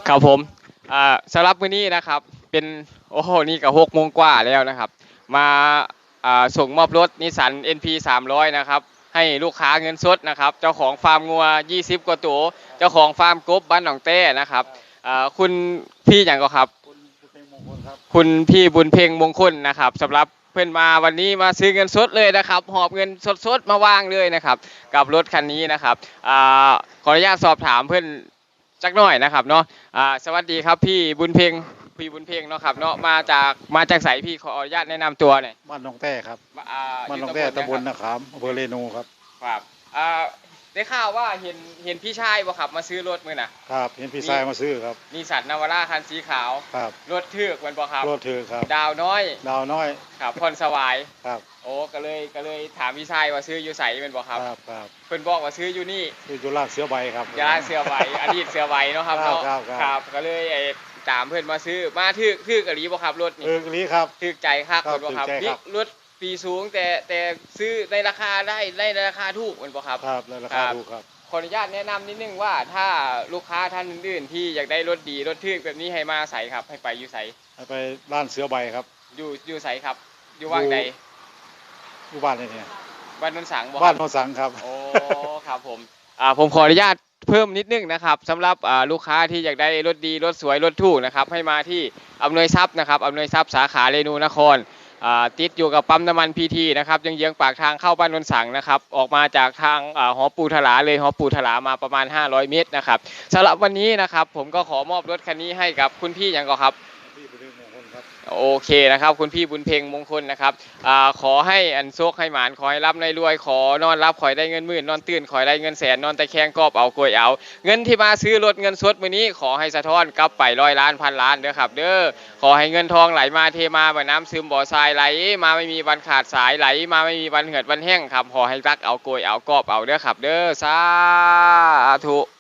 ครับผมสำหรับมื้อนี้นะครับเป็นโอ้โหนี่ก็6 โมงกว่าแล้วนะครับมาส่งมอบรถนิสสัน NP 300นะครับให้ลูกค้าเงินสดนะครับเจ้าของฟาร์มงัว20กว่าตัวเจ้าของฟาร์มกบบ้านหนองเต้นะครับคุณพี่อย่างก็ครับคุณเพลงมงคลครับคุณพี่บุญเพ็งมงคลนะครับสำหรับเพื่อนมาวันนี้มาซื้อเงินสดเลยนะครับหอบเงินสดๆมาวางเลยนะครับกับรถคันนี้นะครับขออนุญาตสอบถามเพื่อนจักหน่อยนะครับเนาะสวัสดีครับพี่บุญเพ็งพี่บุญเพ็งเนาะครับเนาะมาจากไสพี่ขออนุญาตแนะนำตัวหน่อยบ้านหนองแต้ครับบ้านหนองยู่แต้ตำบลนะคนาขามอำเภอเรนูครับรับได้ข่าวว่าเห็นพี่ชายบ่ครับมาซื้อรถมื้อน่ะครับเห็นพี่ชายมาซื้อครับนิสสันนาวาร่าคันสีขาวครับรถทึกมันบ่ครับรถถือครับดาวน้อยดาวน้อยครับพรสวายครับโอ้ก็เลยถามพี่ชายว่าซื้ออยู่ไสแม่นบ่ครับครับเพิ่นบอกว่าซื้ออยู่นี่อยู่ลาดเสือใบครับยาเสือใบอดีตเสือใบเนาะครับเนาะครับก็เลยตามเพิ่นมาซื้อมาทึกอหลีบ่ครับรถนี่ลีครับทึกใจคักเพิ่นบ่ครับนี่รถปีสูงแต่ซื้อในราคาได้ในราคาถูกแม่นบ่ครับครับในราคาถูกครับขออนุญาตแนะนำนิดนึงว่าถ้าลูกค้าท่านอื่นๆที่อยากได้รถดีรถทึกแบบนี้ให้มาใส่ครับให้ไปอยู่ไสให้ไปร้านเสือใบครับอยู่ไสครับอยู่ว่างใดอยู่บ้านนี่เนี่ยบ้านนนสังบ่บ้านโนสังครับโอ้ครับผมขออนุญาตเพิ่มนิดนึงนะครับสำหรับลูกค้าที่อยากได้รถดีรถสวยรถถูกนะครับให้มาที่อำนวยทรัพย์นะครับอำนวยทรัพย์สาขาเรนูนครติดอยู่กับปั๊มน้ำมันพีทีนะครับยังเยื้องปากทางเข้าบ้านนนสังนะครับออกมาจากทางหอปูถลาเลยหอปูถลามาประมาณ500 เมตรนะครับสำหรับวันนี้นะครับผมก็ขอมอบรถคันนี้ให้กับคุณพี่อย่างก็ครับโอเคนะครับคุณพี่บุญเพ็งมงคลนะครับขอให้อันโชคให้หมานขอให้รับในรวยขอนอนรับขอให้ได้เงินหมื่นนอนตื่นขอให้ได้เงินแสนนอนตะแคงกอบเอากลวยเอาเงินที่มาซื้อรถเงินสดมื้อนี้ขอให้สะท้อนกลับไป100 ล้านพันล้านเด้อครับเด้อขอให้เงินทองไหลมาเทมาเหมือนน้ำซึมบ่อทรายไหลมาไม่มีวันขาดสายไหลมาไม่มีวันเหือดวันแห้งครับขอให้รักเอากลวยเอากอบเอาเด้อครับเด้อสาธุ